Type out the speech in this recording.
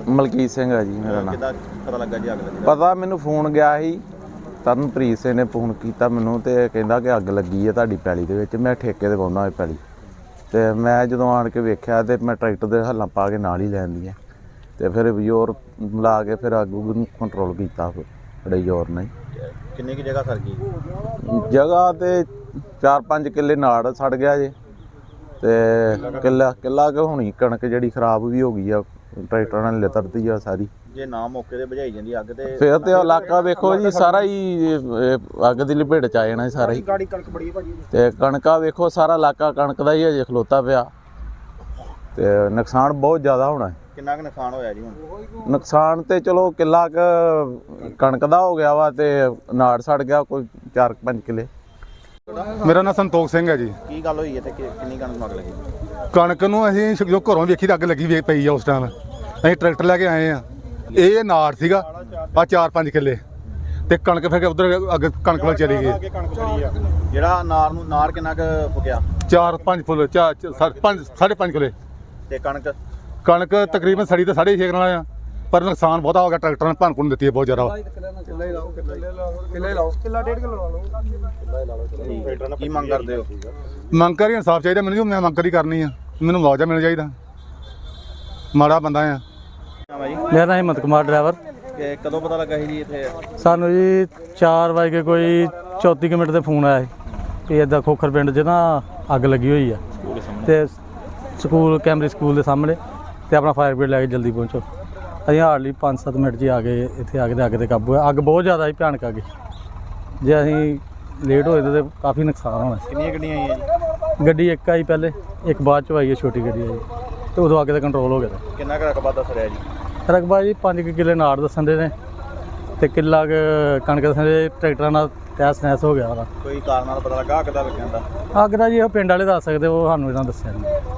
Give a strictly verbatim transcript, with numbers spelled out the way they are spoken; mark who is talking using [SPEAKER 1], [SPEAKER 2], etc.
[SPEAKER 1] ਮਲਕੀਤ ਸਿੰਘ ਹੈ ਜੀ ਮੇਰਾ ਨਾਮ।
[SPEAKER 2] ਕਿੱਦਾਂ ਪਤਾ ਲੱਗਾ ਜੀ ਅੱਗ ਲੱਗੀ?
[SPEAKER 1] ਪਤਾ ਮੈਨੂੰ ਫੋਨ ਗਿਆ ਸੀ, ਤਰਨਪ੍ਰੀਤ ਸਿੰਘ ਨੇ ਫੋਨ ਕੀਤਾ ਮੈਨੂੰ ਤੇ ਕਹਿੰਦਾ ਕਿ ਅੱਗ ਲੱਗੀ ਹੈ ਤੁਹਾਡੀ ਪੈਲੀ ਦੇ ਵਿੱਚ। ਮੈਂ ਠੇਕੇ ਤੇ ਪਾਉਂਦਾ ਇਹ ਪੈਲੀ, ਤੇ ਮੈਂ ਜਦੋਂ ਆਣ ਕੇ ਵੇਖਿਆ ਤੇ ਮੈਂ ਟਰੈਕਟਰ ਦੇ ਹੱਲਾਂ ਪਾ ਕੇ ਨਾਲ ਹੀ ਲੈਂਦੀ ਹੈ ਤੇ ਫਿਰ ਜ਼ੋਰ ਲਾ ਕੇ ਫਿਰ ਅੱਗ ਨੂੰ ਕੰਟਰੋਲ ਕੀਤਾ ਬੜੇ ਜ਼ੋਰ ਨਾਲ।
[SPEAKER 2] ਕਿੰਨੀ ਕੁ ਜਗ੍ਹਾ ਸੜ ਗਈ?
[SPEAKER 1] ਜਗ੍ਹਾ ਤੇ ਚਾਰ ਪੰਜ ਕਿੱਲੇ ਨਾੜ ਸੜ ਗਿਆ ਜੇ, ਤੇ ਕਿੱਲਾ ਕਿੱਲਾ ਕਿ ਹੋਣੀ ਕਣਕ ਜਿਹੜੀ ਖਰਾਬ ਵੀ ਹੋ ਗਈ ਆ, ਟਰੈਕਟਰਾਂ ਨਾਲ ਲਿਤਰਦੀ ਆ ਸਾਰੀ।
[SPEAKER 2] ਜੇ ਨਾ ਮੌਕੇ ਤੇ ਬੁਝਾਈ ਜਾਂਦੀ ਅੱਗ ਤੇ
[SPEAKER 1] ਫਿਰ ਤੇ ਇਲਾਕਾ ਵੇਖੋ ਜੀ ਸਾਰਾ ਹੀ ਅੱਗ ਦੀ ਲਪੇਟ ਚ ਆ ਜਾਣਾ ਸਾਰਾ ਹੀ।
[SPEAKER 2] ਗਾੜੀ ਕਣਕ ਬੜੀ ਭਾਜੀ
[SPEAKER 1] ਤੇ ਕਣਕਾਂ ਵੇਖੋ ਸਾਰਾ ਇਲਾਕਾ ਕਣਕ ਦਾ ਹੀ ਅਜੇ ਖਲੋਤਾ ਪਿਆ, ਤੇ ਨੁਕਸਾਨ ਬਹੁਤ ਜ਼ਿਆਦਾ ਹੋਣਾ।
[SPEAKER 2] ਕਿੰਨਾ ਕੁ ਨੁਕਸਾਨ ਹੋਇਆ ਜੀ ਹੁਣ?
[SPEAKER 1] ਨੁਕਸਾਨ ਤੇ ਚਲੋ ਕਿੱਲਾ ਕੁ ਕਣਕ ਦਾ ਹੋ ਗਿਆ ਵਾ, ਤੇ ਨਾੜ ਸੜ ਗਿਆ ਕੋਈ ਚਾਰ ਪੰਜ ਕਿੱਲੇ।
[SPEAKER 3] ਮੇਰਾ ਨਾਮ ਸੰਤੋਖ ਸਿੰਘ ਹੈ ਜੀ।
[SPEAKER 2] ਕੀ ਗੱਲ ਹੋਈ ਹੈ ਤੇ ਕਿੰਨੀ ਕਣਕ ਅੱਗ ਲੱਗੀ?
[SPEAKER 3] ਕਣਕ ਨੂੰ ਅਸੀਂ ਜੋ ਘਰੋਂ ਵੇਖੀ ਤਾਂ ਅੱਗ ਲੱਗੀ ਵੇ ਪਈ ਆ। ਉਸ ਟਾਈਮ ਅਸੀਂ ਟਰੈਕਟਰ ਲੈ ਕੇ ਆਏ ਆ, ਇਹ ਨਾੜ ਸੀਗਾ ਆ ਚਾਰ ਪੰਜ ਕਿੱਲੇ, ਤੇ ਕਣਕ ਫਿਰ ਉਧਰ ਅੱਗ ਕਣਕ ਵੱਲ ਚਲੀ ਗਈ।
[SPEAKER 2] ਜਿਹੜਾ ਨਾਰ ਨੂੰ ਨਾਰ ਕਿੰਨਾ ਕੁ ਫੁਕਿਆ?
[SPEAKER 3] ਚਾਰ ਪੰਜ ਫੁੱਲ ਚਾਰ ਪੰਜ ਸਾਢੇ ਪੰਜ ਕਿੱਲੇ।
[SPEAKER 2] ਤੇ ਕਣਕ
[SPEAKER 3] ਕਣਕ ਤਕਰੀਬਨ ਸੜੀ ਤਾਂ ਸਾਢੇ ਛੇ ਨਾਲ ਆ, ਪਰ ਨੁਕਸਾਨ ਬਹੁਤਾ ਹੋ ਗਿਆ। ਟਰੈਕਟਰ ਨੇ ਭੰਨ ਭੁੰਨ ਦਿੱਤੀ ਹੈ ਬਹੁਤ ਜ਼ਿਆਦਾ।
[SPEAKER 2] ਕੀ ਮੰਗ ਕਰਦੇ ਹੋ?
[SPEAKER 3] ਮੰਗ ਕਰੀ ਇਨਸਾਫ ਚਾਹੀਦਾ ਮੈਨੂੰ, ਮੈਂ ਮੰਗ ਕਰੀ ਕਰਨੀ ਆ, ਮੈਨੂੰ ਮੁਆਵਜ਼ਾ ਮਿਲਣਾ ਚਾਹੀਦਾ। ਮਾੜਾ ਬੰਦਾ ਆ।
[SPEAKER 4] ਮੇਰਾ ਨਾਮ ਹਿੰਮਤ ਕੁਮਾਰ ਡਰਾਈਵਰ।
[SPEAKER 2] ਕਿ ਕਦੋਂ ਪਤਾ ਲੱਗਾ ਸੀ ਜੀ ਇੱਥੇ?
[SPEAKER 4] ਸਾਨੂੰ ਜੀ ਚਾਰ ਵਜੇ ਕੇ ਕੋਈ ਚੌਂਤੀ ਕੁ ਮਿੰਟ ਤੇ ਫੋਨ ਆਇਆ ਸੀ ਵੀ ਇੱਦਾਂ ਖੋਖਰ ਪਿੰਡ 'ਚ ਨਾ ਅੱਗ ਲੱਗੀ ਹੋਈ ਆ, ਤੇ ਸਕੂਲ ਕੈਮਰੀ ਸਕੂਲ ਦੇ ਸਾਹਮਣੇ, ਤੇ ਆਪਣਾ ਫਾਇਰ ਬ੍ਰਿਗੇਡ ਲੈ ਕੇ ਜਲਦੀ ਪਹੁੰਚੋ। ਅਸੀਂ ਹਾਰਡਲੀ ਪੰਜ ਸੱਤ ਮਿੰਟ 'ਚ ਆ ਗਏ ਇੱਥੇ। ਆ ਕੇ ਤੇ ਅੱਗ 'ਤੇ ਕਾਬੂ ਹੋਇਆ। ਅੱਗ ਬਹੁਤ ਜ਼ਿਆਦਾ ਸੀ, ਭਿਆਨਕ ਅੱਗ। ਜੇ ਅਸੀਂ ਲੇਟ ਹੋਏ ਤਾਂ ਕਾਫੀ ਨੁਕਸਾਨ ਹੋਣਾ ਸੀ।
[SPEAKER 2] ਕਿੰਨੀਆਂ ਗੱਡੀਆਂ ਆਈਆਂ ਜੀ?
[SPEAKER 4] ਗੱਡੀ ਇੱਕ ਆਈ ਪਹਿਲੇ, ਇੱਕ ਬਾਅਦ 'ਚ ਆਈ ਹੈ ਛੋਟੀ ਗੱਡੀ ਆਈ, ਤੇ ਉਦੋਂ ਅੱਗ 'ਤੇ ਕੰਟਰੋਲ ਹੋ ਗਿਆ।
[SPEAKER 2] ਕਿੰਨਾ ਕੁ ਰਕਬਾ ਦੱਸ ਰਿਹਾ ਜੀ?
[SPEAKER 4] ਰਕਬਾ ਜੀ ਪੰਜ ਕੁ ਕਿੱਲੇ ਨਾੜ ਦੱਸਣ ਦੇ ਨੇ, ਤੇ ਕਿੱਲਾ ਕੁ ਕਣਕ ਦੱਸਣ ਦੇ। ਟਰੈਕਟਰਾਂ ਨਾਲ ਤਹਿਸ ਨਹਿਸ ਹੋ ਗਿਆ ਉਹਦਾ।
[SPEAKER 2] ਕੋਈ ਕਾਰਨ ਨਾਲ ਪਤਾ ਲੱਗਾ ਅੱਗ ਦਾ ਲੱਗਣ ਦਾ?
[SPEAKER 4] ਅੱਗ ਦਾ ਜੀ ਉਹ ਪਿੰਡ ਵਾਲੇ ਦੱਸ ਸਕਦੇ, ਉਹ ਸਾਨੂੰ ਇਹਨਾਂ ਦੱਸਿਆ ਨਹੀਂ।